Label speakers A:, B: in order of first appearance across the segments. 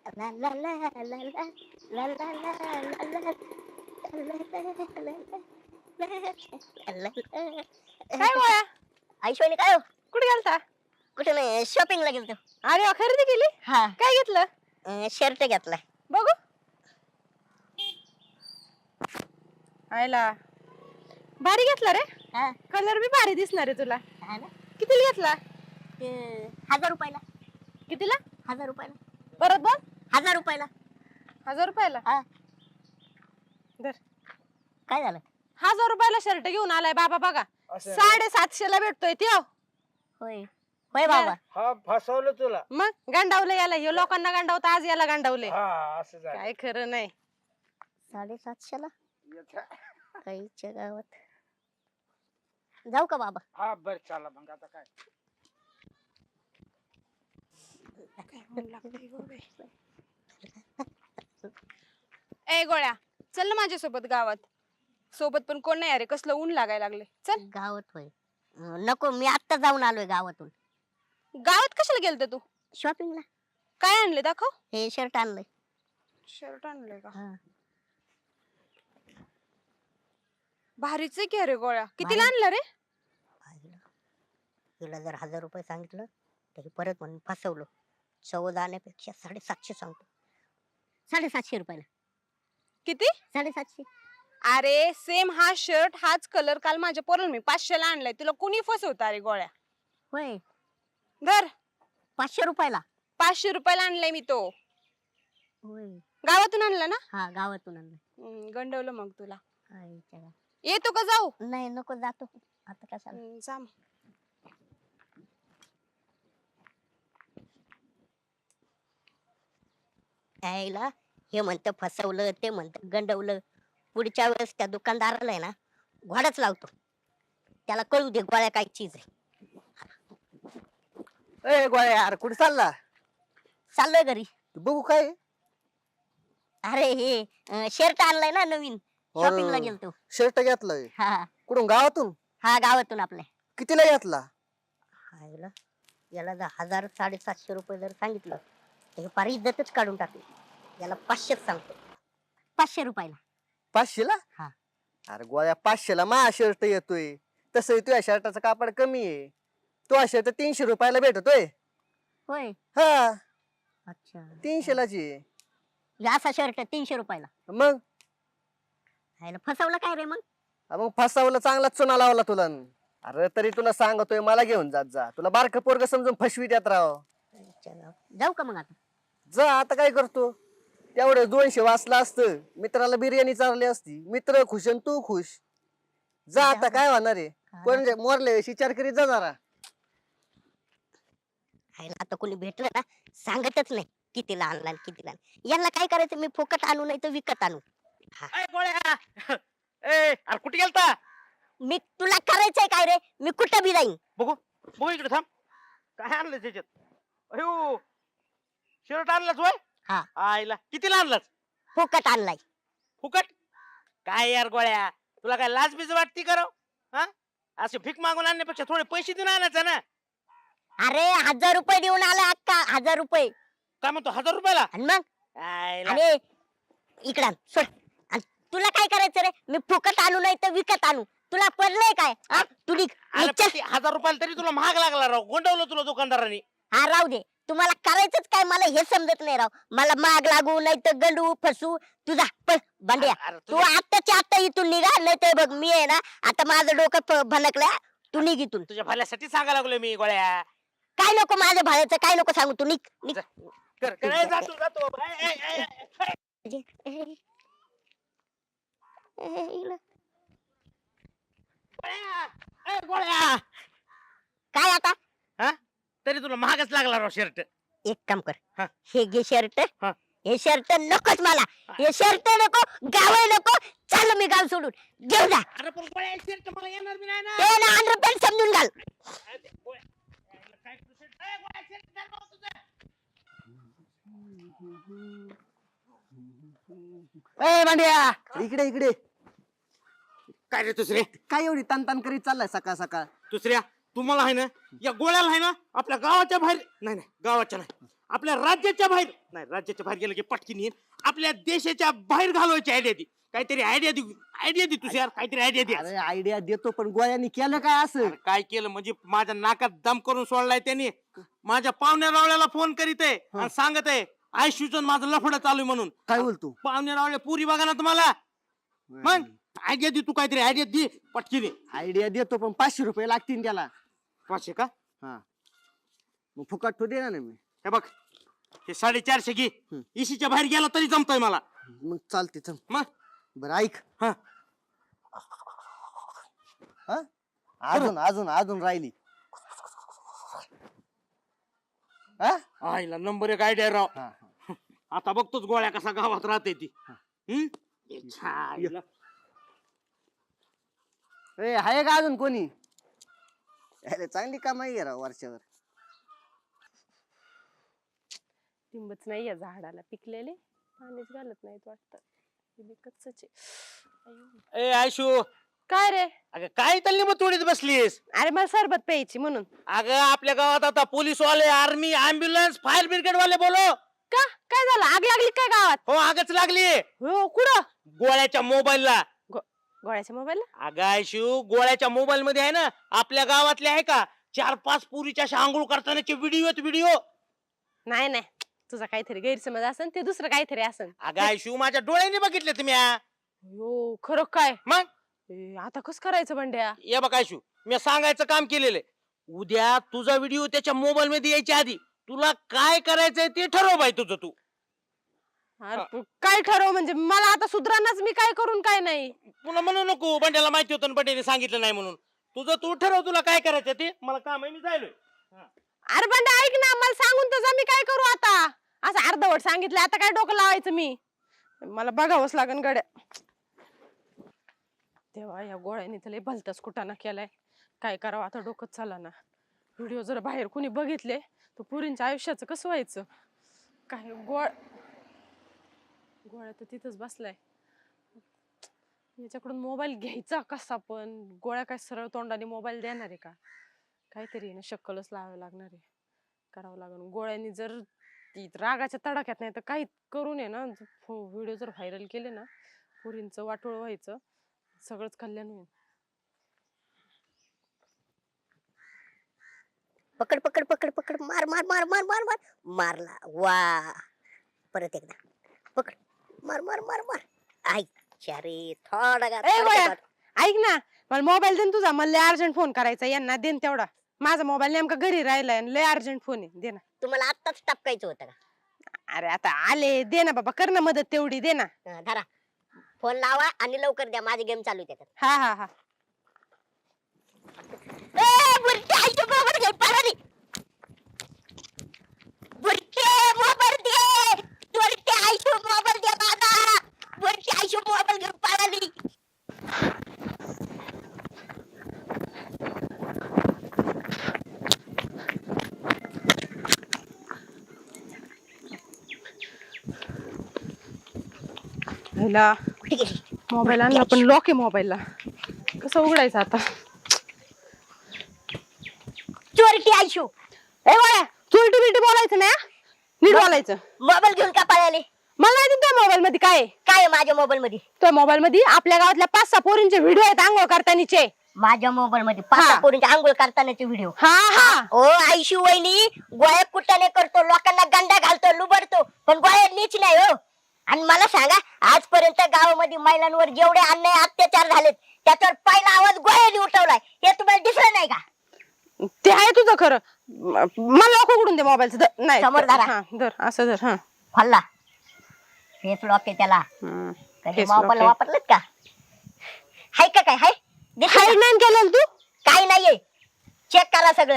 A: ला ला ला ला ला ला ला ला ला ला.
B: काय गोळ्या?
A: ऐश्वर्या काय हो?
B: कुठे गेलता?
A: कुठे नाही, शॉपिंगला गेलतो.
B: अरे वा, खरेदी केली?
A: हा,
B: काय घेतलं?
A: शर्ट घेतलाय.
B: बघू. आयला भारी घेतला रे.
A: हा
B: कलर बी भारी दिसणार आहे तुला.
A: हा ना.
B: कितीला घेतला?
A: ते 1000 रुपयाला.
B: कितीला?
A: 1000 रुपयाला.
B: परत बोल.
A: 1000 रुपयाला.
B: 1000 रुपयाला?
A: हा.
B: धर.
A: काय झालं?
B: 1000 रुपयाला शर्ट घेऊन आलाय बाबा बघा. 750 ला भेटतोय त्यो.
A: होय होय बाबा.
C: हा फसवलं तुला.
B: मग गांडावलं याला, हे लोकांना गांडावतं, आज याला गांडावले.
C: हा असं झालं.
B: काय खरं नाही.
A: 750 ला काहीच्या गावात. जाऊ का बाबा?
C: हा बर चला मग आता काय.
B: ए गोळ्या, चल ना माझ्यासोबत गावात. सोबत पण कोण नाही अरे, कसलं ऊन लागायला लागले. चल.
A: गावात होय. नको, मी आत्ता जाऊन आलोय गावातून.
B: गावात कशाला गेलते तू?
A: शॉपिंगला.
B: काय आणले दाखव.
A: हे शर्ट आणलंय.
B: शर्ट आणलंय का?
A: हा.
B: भारीच आहे की अरे गोळ्या. कितीला आणलं रे?
A: तुला जर 1000 रुपये सांगितलं तरी परत म्हणून फसवलं. 14 आणण्यापेक्षा 750 सांगतो. 750 रुपयाला.
B: किती?
A: 750.
B: अरे सेम हा शर्ट, हाच कलर काल माझ्या पोराला मी 500 ला आणलाय. तुला कोणी फसवतं अरे गोळ्या?
A: होय.
B: धर.
A: 500 रुपयाला.
B: 500 रुपयाला आणलाय मी तो.
A: होय.
B: गावातून आणला ना?
A: हा, गावातून आणलं.
B: गंडवलं मग तुला.
A: आईच्या गावात.
B: येतो का जाऊ?
A: नाही, नको, जातो आता. कशाला?
B: जा मग.
A: यायला हे म्हणतं फसवलं, ते म्हणतं गंडवलं. पुढच्या वेळेस त्या दुकानदाराला आहे ना घोडाच लावतो. त्याला कळू दे गोळ्या काय चीज आहे.
D: ए गोळ्या यार, कुठे चालला?
A: चाललोय घरी.
D: बघू काय.
A: अरे हे शर्ट आणलाय ना नवीन, शॉपिंगला गेलतो.
D: शर्ट घेतलाय?
A: हा
D: कुठून, गावातून?
A: हा, गावातून आपल्या.
D: कितीला घेतला?
A: हायला, याला जर 1000 750 रुपये जर सांगितलं तर फार इज्जतच काढून टाकली. याला 500 सांगतो. 500 रुपयाला.
D: 500 ला?
A: हा.
D: अरे गोळ्या, 500 ला माझा शर्ट येतोय. तसं तुझ्या शर्टाचं कापड कमी आहे. तो शर्ट 300 रुपयाला भेटतोय.
A: होय.
D: हा,
A: अच्छा.
D: 300 लाच आहे.
A: असा शर्ट 300 रुपयाला.
D: मग
A: हायला, फसवलं काय रे मग?
D: मग फसावलं, चांगला चुना लावला तुला. अरे तरी तुला सांगतोय, मला घेऊन जात जा. तुला बारकं पोरग समजून फसवी देत राव.
A: जाऊ का मग आता?
D: जा आता. काय करतो? तेवढं 200 वाचला असतं, मित्राला बिर्याणी चालली असती. मित्र खुश आणि तू खुश. जा आता, काय होणार आहे. कोण मोरले विचार करीत जा जरा.
A: हायला, आता कोणी भेटलं ना सांगतच नाही कितीला आणला आणि कितीला आणला. यांना काय करायचं, मी फुकट आणू नाही तर विकत आणू.
C: ए गोळ्या, ए अरे कुठे गेलता?
A: मी तुला करायचंय काय रे? मी कुठं बी जाईन.
C: बघू बघू इकडे थांब. काय आणलं त्याच्यात? अयो, शर्ट आणलाच वय?
A: हा.
C: आईला कितीला आणलाच?
A: फुकट आणलाय.
C: फुकट? काय यार गोळ्या, तुला काय लाज बीज वाटती करो? हा, असे भीक मागून आणण्यापेक्षा थोडे पैसे देऊन आणायचं ना.
A: अरे 1000 रुपये देऊन आला अक्का. 1000 रुपये.
C: काय म्हणतो 1000 रुपयाला?
A: आणि मग
C: आईला.
A: अरे इकडं आण, सोड. आणि तुला काय करायचं रे? मी फुकट आणू नाही तर विकत आणू. तुला पडलंय काय? हा? तू निघ.
C: अरे
A: निघ, चल.
C: पण ते 1000 रुपयाला तरी तुला महाग लागला राव. गोंडवलं तुला दुकानदारांनी.
A: हा, राहू दे. तुम्हाला करायचंच काय मला हे समजत नाही राव. मला माग लागू नाही तर गंडू फसू. तुझा पण भांड्या,
C: अरे
A: तू आत्ताच्या आत्ता इथून निघा, नाही तर बघ मी आहे ना आता माझं डोकं भनकलंय. तू निघ इथून.
C: तुझ्या भल्यासाठी सांगायला लागलोय मी गोळ्या.
A: काय नको माझ्या भाड्याचं, काय नको सांगू. तू निघ निघ.
C: कर कर. ए, जातो जातो. ए, ए, ए, ए. गोळ्या, ए, गोळ्या.
A: काय आता?
C: हा, तरी तुला महागच लागला राव शर्ट.
A: एक काम कर.
C: हा.
A: हे घे शर्ट.
C: हा.
A: हे शर्ट नकोच मला. हे शर्ट नको, गाव नको. चाल मी गाव सोडून. घेऊन जा.
C: अरे पण गोळ्या, शर्ट मला येणार बी नाही ना.
A: ते ना 100 समजून घाल.
C: अरे, गोळ्या, काय तू शर्ट? ए, गोळ्या, शर्ट घाल भाऊ तुझं.
D: ए भांड्या, इकडे इकडे.
C: काय रे दुसरे?
D: काय एवढी तान करीत चाललाय सकाळ सकाळ?
C: दुसऱ्या, तुम्हाला आहे ना, या गोळ्याला आहे ना आपल्या गावाच्या बाहेर, नाही नाही गावाच्या नाही, आपल्या राज्याच्या बाहेर नाही, राज्याच्या बाहेर गेलं की पटकीन येईल. आपल्या देशाच्या बाहेर घालवायची आयडिया ती. काहीतरी आयडिया दे तुझ्या, काहीतरी आयडिया दे.
D: अरे आयडिया देतो पण गोळ्यानी केलं काय असं?
C: अरे काय केलं म्हणजे माझ्या नाकात दम करून सोडलाय त्यांनी. माझ्या पाहुण्या रावळ्याला फोन करीत आहे आणि सांगत आहे आयशूचं माझं लफडं चालू आहे म्हणून.
D: काय बोलतो?
C: पाहुण्या रावळ्या पुरी बघा ना तुम्हाला. मग आयडिया दे तू, काहीतरी आयडिया दे पटकीने.
D: आयडिया देतो पण 500 रुपये लागतील त्याला.
C: 500 का?
D: हा मग फुकट तो देणार नाही मी.
C: हे बघ हे 450 घे. इशीच्या बाहेर गेला तरी जमतोय मला.
D: मग चालते चल.
C: मग
D: बरं ऐक.
C: हा
D: हा अजून अजून अजून राहिली. हा
C: आईला नंबर एक आयडिया राव.
D: हा
C: आता बघतोच गोळ्या कसा गावात राहते ती. छाईला.
D: ए आहे का अजून कोणी? अरे चांगली कमाई आहे राव वर्षावर.
B: लिंबच नाही या झाडाला पिकलेले, पाणीच घालत नाहीत वाटतं. कच्च
C: ए आयशू,
B: काय रे?
C: अगं काय तल्ली मग तोडीत बसलीस?
B: अरे मला सरबत प्यायची म्हणून.
C: अगं आपल्या गावात आता पोलीस वाले, आर्मी, अँब्युलन्स, फायर ब्रिगेड वाले बोलो.
B: का काय झालं? आग लागली काय गावात?
C: हो आगच लागली.
B: हो कुठं?
C: गोळ्याच्या मोबाईलला.
B: गोळ्याच्या मोबाईल?
C: अगं आयशू, गोळ्याच्या मोबाईल मध्ये आहे ना आपल्या गावातले आहे का 4-5 पुरीच्या अशा आंघोळ करतानाचे व्हिडिओ.
B: नाही नाही, तुझा काहीतरी गैरसमज असन, ते दुसरं काहीतरी असन.
C: अगं आयशू माझ्या डोळ्याने बघितले तुम्ही.
B: हो खरं काय?
C: मग
B: आता कस करायचं बंड्या?
C: ये बघ आयशू, मी सांगायचं काम केलेलं आहे. उद्या तुझा व्हिडिओ त्याच्या मोबाईल मध्ये यायच्या आधी तुला काय करायचंय ते ठरव बाई तुझं तू.
B: अरे काय ठरव म्हणजे? मला आता सुधरानाच, मी काय करून काय नाही.
C: पुन्हा म्हणू नको बंड्याला माहिती होतं बंड्याने सांगितलं नाही म्हणून. तुझं तू ठरव तुला काय करायचं ते. मला काम आहे, मी जायलोय.
B: अरे बंड्या ऐक ना, मला सांगून तर जा, मी काय करू आता? असं अर्धवट सांगितलं, आता काय डोकं लावायचं मी? मला बघावंच लागन गड्या. तेव्हा या गोळ्याने तर लय भलताच कुटाणा केलाय. काय करावं आता, डोकंच चाला ना. व्हिडिओ जर बाहेर कुणी बघितले तर पुरींच्या आयुष्याचं कसं व्हायचं? काय गोळ्या तर तिथंच बसलाय. याच्याकडून मोबाईल घ्यायचा कसा? पण गोळ्या काय सरळ तोंडाने मोबाईल देणार आहे का? काहीतरी ना शक्कलच लावावं लागणार आहे, करावं लागेल. गोळ्यांनी जर रागाच्या तडाख्यात नाही तर काही करून आहे ना, व्हिडिओ जर व्हायरल केले ना, पुरींचं वाटोळ व्हायचं, सगळंच कल्याण होईल.
A: पकड पकड पकड पकड, मार मार मार मार मार मार. मारला वा. परत एकदा पकड, मार मार मार मार. आईच्या रे, थोडा
B: ए गोळ्या, ऐक ना, मला मोबाईल दे ना तुझा. मला लय अर्जंट फोन करायचा, यांना देन तेवढा. माझा मोबाईल नेमका घरी राहिलाय, लय अर्जंट फोन आहे, दे ना.
A: तुम्हाला आत्ताच टपकायचं होतं का?
B: अरे आता आले, दे ना बाबा, कर ना मदत तेवढी, दे ना.
A: धरा फोन लावा आणि लवकर द्या, माझे गेम चालू आहे त्याच्यात.
B: हा हा हा.
A: बुरटे आईच्या मोबाईल घेऊन पळाली. बुरटे मोबाईल दे. बुरटे आईच्या मोबाईल दे माझा. बुरटे आईच्या मोबाईल घेऊन पळाली.
B: ह्याला
A: कुठे गेली?
B: मोबाईल आणला पण लॉक आहे मोबाईलला, कसं उघडायचं आता?
A: चोरटी आयशू.
B: ए गोळ्या, चुलटी बिलटी बोलायचं नाही हा? नीट बोलायचं.
A: मोबाईल घेऊन का पळाली?
B: मला माहिती तुझ्या मोबाईल मध्ये काय आहे.
A: काय आहे माझ्या मोबाईल मध्ये?
B: तुझ्या मोबाईल मध्ये आपल्या गावातल्या 5-6 पोरींचे व्हिडिओ आहेत आंघोळ करतानीचे.
A: माझ्या मोबाईल मध्ये
B: हा.
A: 5 पोरींचे आंघोळ करतानाचे व्हिडिओ.
B: हा हा.
A: ओ आयशू वहिनी, गोळ्या कुटाने करतो, लोकांना गंडा घालतो, लुबडतो, पण गोळ्या नीच नाही हो. आणि मला सांगा, आजपर्यंत गावामध्ये महिलांवर जेवढे अन्याय अत्याचार झालेत त्याच्यावर पहिला आवाज गोळ्याने उठवलाय. हे तुम्हाला दिसलं नाही का?
B: ते आहे तुझं खरं. मला लॉक उघडून दे मोबाईलचं. नाही
A: समोर धरा.
B: हा, धर असं धर. हा
A: खोलला. फेस लॉक आहे त्याला. कधी
B: face lock
A: मोबाईल
B: आहे.
A: वापरलेत का? हाय का काय? हाय दिसलं
B: हाईड
A: का?
B: नाही केलं तू?
A: काय नाहीये, चेक करा सगळं.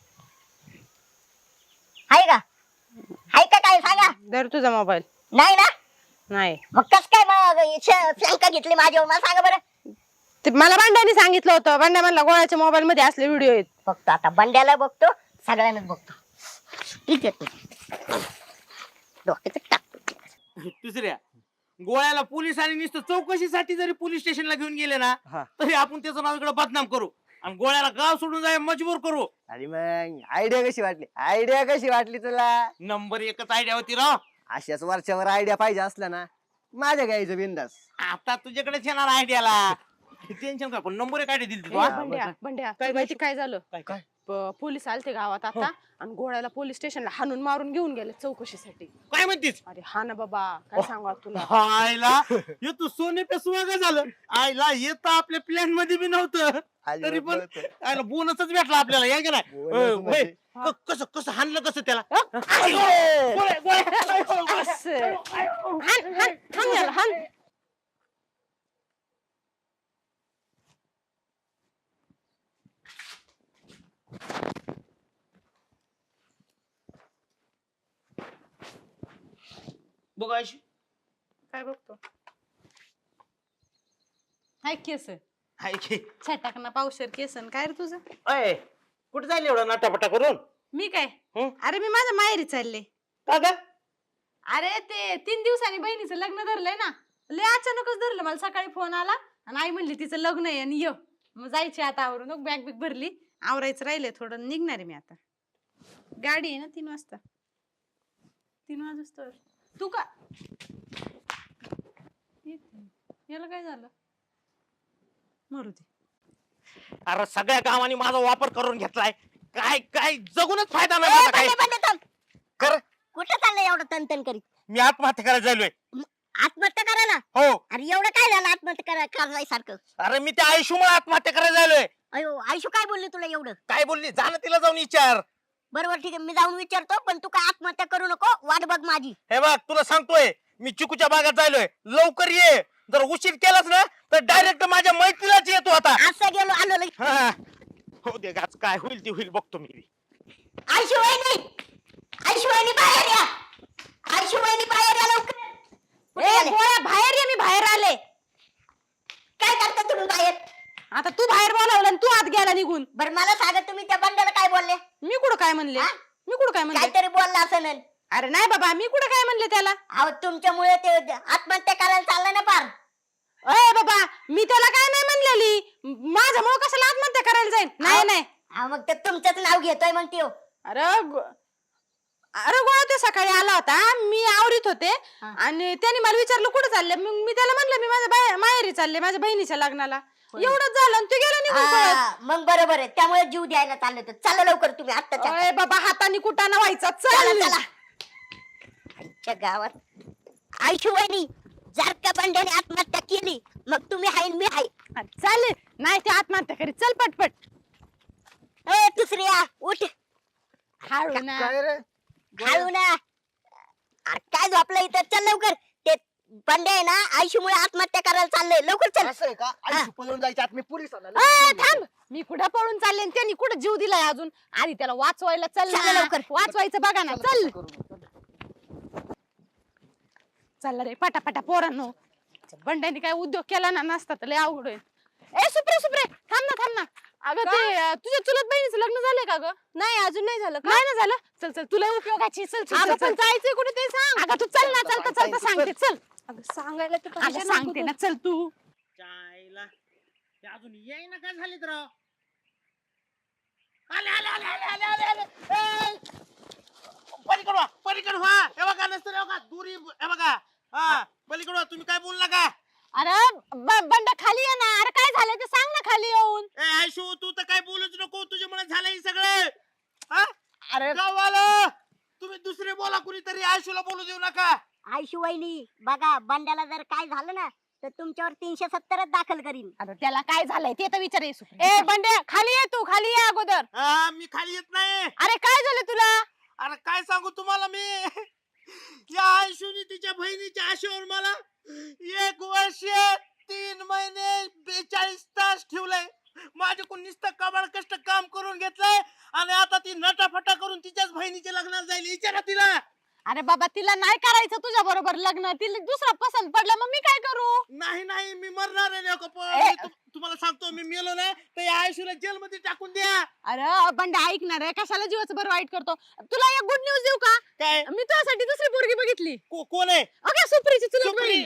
A: हाय का? हाय का काय सांगा?
B: धर तुझा मोबाईल.
A: नाही ना?
B: नाही.
A: मग कस काय मग शंका घेतली माझ्यावर? मला सांगा बरं.
B: ते मला भांड्याने सांगितलं होतं. भांड्या म्हणला गोळ्याच्या मोबाईल मध्ये असले व्हिडिओ आहेत.
A: फक्त आता बंड्याला बघतो, सगळ्यांनाच बघतो. ठीक आहे, डोक्याचं टाकतो.
C: दुसऱ्या गोळ्याला पोलिसांनी नुसतं चौकशीसाठी जरी पोलीस स्टेशनला घेऊन गेले ना,
D: हा.
C: तरी आपण त्याचं नाव इकडे बदनाम करू. आणि गोळ्याला गाव सोडून जाय मजबूर करू.
D: आणि मग आयडिया कशी वाटली तुला?
C: नंबर एकच आयडिया होती राव.
D: अशाच वरच्यावर आयडिया पाहिजे असला ना माझ्या घ्यायचं बिंदास.
C: आता तुझ्याकडेच येणार आयडियाला. टेन्शन का, पण नंबर एक आयडिया दिली तू.
B: ए,
C: हा?
B: बंड्या बंड्या
C: काय
B: तुला माहिती काय झालं?
C: काय?
B: पोलीस आलते गावात आता आणि गोळ्याला पोलीस स्टेशनला हाणून मारून घेऊन गेले चौकशीसाठी.
C: काय म्हणतीस?
B: अरे हा ना बाबा, काय सांगा तुला.
C: आईला हे तू सोने पे सुहागा झालं. आईला हे तर आपल्या प्लॅन मध्ये बी नव्हतं. तरी पण आईला बोनसच भेटला आपल्याला. या का नाही?
D: बोनस म्हणजे?
C: कसं कसं हाणलं कसं त्याला?
B: असं. हाण, हाण, हाण याला, हाण.
C: बघ आयशी,
B: काय बघतो? हाय केस
C: हाय की.
B: छटाकना पावशर केसन. काय रे तुझं?
C: अय, कुठे जायला एवढा नाटापटा करून?
B: मी काय?
C: हं?
B: अरे मी माझ्या माहेरी चालले.
C: का ग?
B: अरे ते 3 दिवसांनी बहिणीचं लग्न धरलंय ना, लय अचानकच धरलं. मला सकाळी फोन आला आणि आई म्हणली तिचं लग्न आहे आणि ये. मग जायची आता आवरून. बॅग बिग भरली, आवरायचं राहिलंय थोडं, निघणार आहे मी आता. गाडी आहे ना 3 वाजता. 3 वाजता तू का याला काय झालं? मरू दे.
C: अरे सगळ्या गावांनी माझा वापर करून घेतलाय. काय काय जगूनच फायदा
A: ए,
C: नाही माझा काय.
A: बंड्या, बंड्या, थांब.
C: कर.
A: कुठं चाललंय एवढं तनतन करीत?
C: मी आत्महत्या करायला जायलोय.
A: आत्महत्या करायला?
C: हो.
A: अरे एवढं काय झालं आत्महत्या करायसारखं?
C: अरे मी त्या आयुष्यमुळे आत्महत्या करायला जायलोय.
A: अयो आयुष्य काय बोलली तुला एवढं?
C: काय बोलली? जा ना तिला जाऊन विचार.
A: बरोबर ठीक आहे, मी जाऊन विचारतो, पण तू काय आत्महत्या करू नको, वाट बघ माझी.
C: हे बघ तुला सांगतोय, मी चिकूच्या बागात जायलोय. लवकर ये. जर उशीर केलास ना तर डायरेक्ट माझ्या मैत्रीलाच येतो आता.
A: असं गेलो आलो लगेच.
C: हा. हो दे गाच, काय होईल ते होईल बघतो मी.
A: आयुष्यवाहिनी, आयुष्यवाहिनी बाहेर या. आयुष्यवाहिनी बाहेर या लवकर. कुठे
B: ए
A: गेले?
B: गोळ्या बाहेर ये, मी बाहेर आले.
A: काय करता तुम्ही बाहेर?
B: आता तू बाहेर बोलावलं आणि तू आत गेला निघून.
A: बरं मला सांगा, तुम्ही त्या बंड्याला काय बोलले?
B: मी कुठं काय म्हणले?
A: हा?
B: मी कुठं काय म्हणले?
A: काहीतरी बोलला असं नाही.
B: अरे नाही बाबा, मी कुठं काय म्हणले त्याला?
A: अहो तुमच्यामुळे ते आत्महत्या करायला चाललं ना पार.
B: अय बाबा, मी त्याला काय नाही म्हणलेली. माझ्यामुळे कशाला आत्महत्या करायला जाईल? नाही नाही.
A: अहो मग ते तुमचंच नाव घेतोय मग त्यो.
B: अरे अरे गोळा ते सकाळी आला होता, मी आवरीत होते
A: हा.
B: आणि त्याने मला विचारलं कुठे चालले. मग मी त्याला म्हणलं मी माझ्या माहेरी चालले, माझ्या बहिणीच्या लग्नाला. एवढंच झालं आणि तू गेला निघून पळत.
A: मग बरोबर आहे, त्यामुळे जीव द्यायला चाललं तर चला लवकर तुम्ही आत्ताच्या.
B: अय बाबा, हाताने कुटाणा व्हायचा.
A: चला
B: चल
A: चला. आमच्या गावात आयुष्यवाहिनी, जर का बंड्याने आत्महत्या केली मग तुम्ही हाय मी हाय.
B: चल. नाही ते आत्महत्या करी. चल पटपट.
A: ए दुसऱ्या उठ.
B: हळू ना.
D: काय रे?
A: हळू ना. अरे काय झोपलं इथं? चल लवकर. ते बंड्या आहे ना आयुष्यमुळे आत्महत्या करायला चाललंय, लवकर चल.
D: असं आहे का? आयुष्य पळून जायच्या आत मी पोलीस आला.
B: थांब. मी कुठं पळून चालले आणि त्यांनी कुठं जीव दिलाय अजून? आणि त्याला वाचवायला चल
A: चला
B: ना.
A: लवकर.
B: वाचवायचं बघा ना. चल चल रे पटापटा पोरांनो. बंड्याने काय उद्योग केला ना नसता तर लय अवघड होईल. ए सुप्रे सुप्रे, थांब ना थांब ना. अगं ते तुझ्या चुलत बहिणीचं लग्न झालंय का ग? नाही अजून नाही झालं. नाही ना झालं. चल चल, तुला उपयोगाची. चल चल चल, चल. जायचंय कुठे ते सांग. अगं तू चल ना. चलता चलता सांगते. चल. अगं सांगायला तर पाहिजे. सांगते ना. चल तू.
C: चायला ते अजून येई ना. काय झाले तर राव? आले आले आले आले आले आले आले. पलीकडे व्हा, पलीकडे व्हा. हे बघा नसतं हे बघा दुरी. हे बघा हा पलीकडे व्हा. तुम्ही काय बोलू नका.
B: अरे बंडा खाली ये ना. अरे काय झालं ते सांग ना खाली येऊन.
C: ए आयशू, तू तर काय बोलूच नको. तुझ्यामुळे झालं हे सगळं. हा
B: अरे
C: गावाला तुम्ही दुसरे बोला, कुणीतरी आयशूला बोलू देऊ नका.
A: आयुष्यवाहिनी बघा, बंड्याला जर काय झालं ना तर तुमच्यावर 370 दाखल करीन.
B: अरे त्याला काय झालंय ते तर विचार. ए बंड्या खाली ये, तू खाली ये अगोदर.
C: हा मी खाली येत नाही.
B: अरे काय झालं तुला?
C: अरे काय सांगू तुम्हाला मी. या आयशूनी तिच्या बहिणीच्या आशेवर मला 1 वर्ष 3 महिने 42 तास ठेवलंय. माझ्याकडून नुसतं कबाड कष्ट काम करून घेतलंय आणि आता ती नटाफटा करून तिच्याच बहिणीच्या लग्नाला जाईल. विचारा तिला.
B: अरे बाबा, तिला नाही करायचं तुझ्या बरोबर लग्न. तिला दुसरा पसंत पडला, मग मी काय करू?
C: नाही नाही मी मरणार आहे लोक. तुम्हाला सांगतो, मी मेलो ना तर या आयशूला जेलमध्ये टाकून द्या.
B: अरे बंड्या ऐकणार आहे, कशाला जीवाचं बरं वाईट करतो? तुला एक गुड न्यूज देऊ का?
C: काय?
B: मी तुझ्यासाठी दुसरी पोरगी बघितली.
C: कोण आहे?
B: अगं सुप्रीची चुलत
C: सुप्री?
B: बहीण.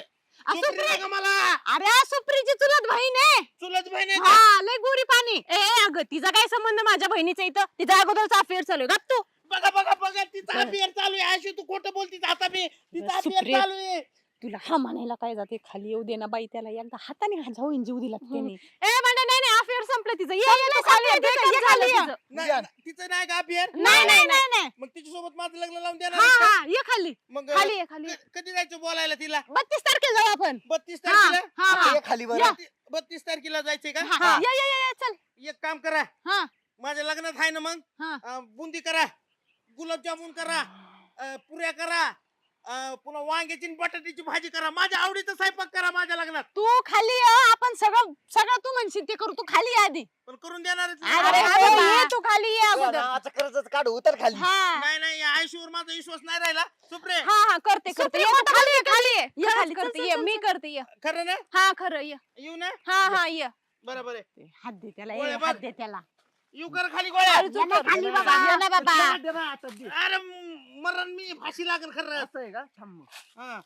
C: सुप्री आहे का मला
B: अरे सुप्रीची चुलत बहीण आहे.
C: चुलत बहीण आहे का?
B: हा लय गोरी पाणी. ए अगं तिचा काय संबंध माझ्या बहिणीचा इथं? तिचा अगोदरचा अफेअर चालू आहे. गप तू.
C: बघा बघा बघा तिचा अफेअर चालू आहे. आयशू तू खोटं बोलतीस आता मी तिचा अफेअर
B: सुप्री.
C: चालू आहे.
B: तुला हा म्हणायला काय जाते? खाली येऊ दे ना बाई, त्याला एकदा हाताने जाऊन जीव दिला त्याने. ए म्हणजे नाही अफेअर संपलं तिचं. ये ये खाली ये, breakup झालं तिचं.
C: नाही, तिचं नाही का अफेअर
B: नाही
C: मग तिच्यासोबत माझं लग्न लावून
B: हा
C: देणार
B: हा ये खाली.
C: मग
B: खाली ये खाली ये.
C: कधी जायचं बोलायला तिला
B: 32 तारखेला जाऊ आपण.
C: 32
B: हा
C: तारखेला
B: हा हा.
D: ये खाली बरं
C: 32 तारखेला जायचंय का
B: हा, ये ये ये चल.
C: एक काम करा
B: हा
C: माझ्या लग्नात आहे ना मग
B: हा.
C: बुंदी करा, गुलाबजामुन करा, पुऱ्या करा, पुन्हा वांग्याची आणि बटाट्याची भाजी करा. माझ्या आवडीचा स्वयंपाक करा माझ्या लग्नात.
B: तू खाली ये. आपण सगळं सगळं तू म्हणशील ते करू. तू खाली ये आधी.
C: पण करून देणारच
B: अरे
C: नाही.
B: ये तू खाली ये अगोदर.
D: नावाचं कर्जच काढू उतर खाली
B: हा
C: नाही नाही या आयशूवर माझा विश्वास नाही राहिला. सुप्रे
B: हा हा करते करते. ये तू खाली ये खाली ये. ये खाली करते ये. मी करते ये.
C: खरं ना
B: हा खरं ये.
C: येऊ ना
B: हा हा ये.
C: बरोबर आहे.
B: हात दे त्याला.
C: गोळ्या
B: ये,
C: बघ.
B: हात दे त्याला.
C: येऊ कर खाली गोळ्या.
B: खाली तू कर.
A: खाली बाबा.
B: ये ना बाबा.
C: अरे मरण मी फाशी लागेल खरं.
D: असं आहे का थांब मग.
C: हा.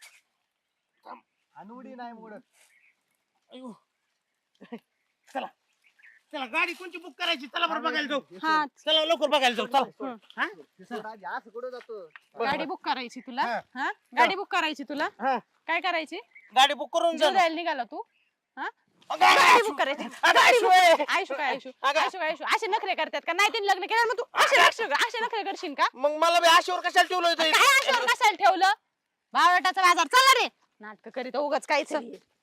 D: आणि उडी नाही मोडत
C: अयो. चला चला गाडी कोणची बुक करायची? चला बरं बघायला जाऊ.
B: हा
C: चला लवकर बघायला जाऊ. चला हा?
D: असं कुठं जातो
B: गाडी बुक करायची तुला.
C: हा.
B: हा गाडी बुक करायची तुला.
C: हा.
B: काय करायची?
C: गाडी बुक करून
B: जीव
C: जा.
B: द्यायला निघाला तू. हा
C: अगं,
B: गाडी
C: आयशू.
B: बुक करायची.
C: अगं,
B: गाडी
C: आयशू
B: बुक.
C: आहे.
B: आयशू काय आयशू
C: अगं.
B: आयशू काय आयशू असे नखरे करतात का? नाही तिने लग्न केलं मग तू असे नखरे करशील का?
C: मग मला बी आशेवर कशाला ठेवलं होतं?
B: काय आशावर कशाला ठेवलं? बावळटाचा बाजार चला रे. नाटक करीत उगाच काहीच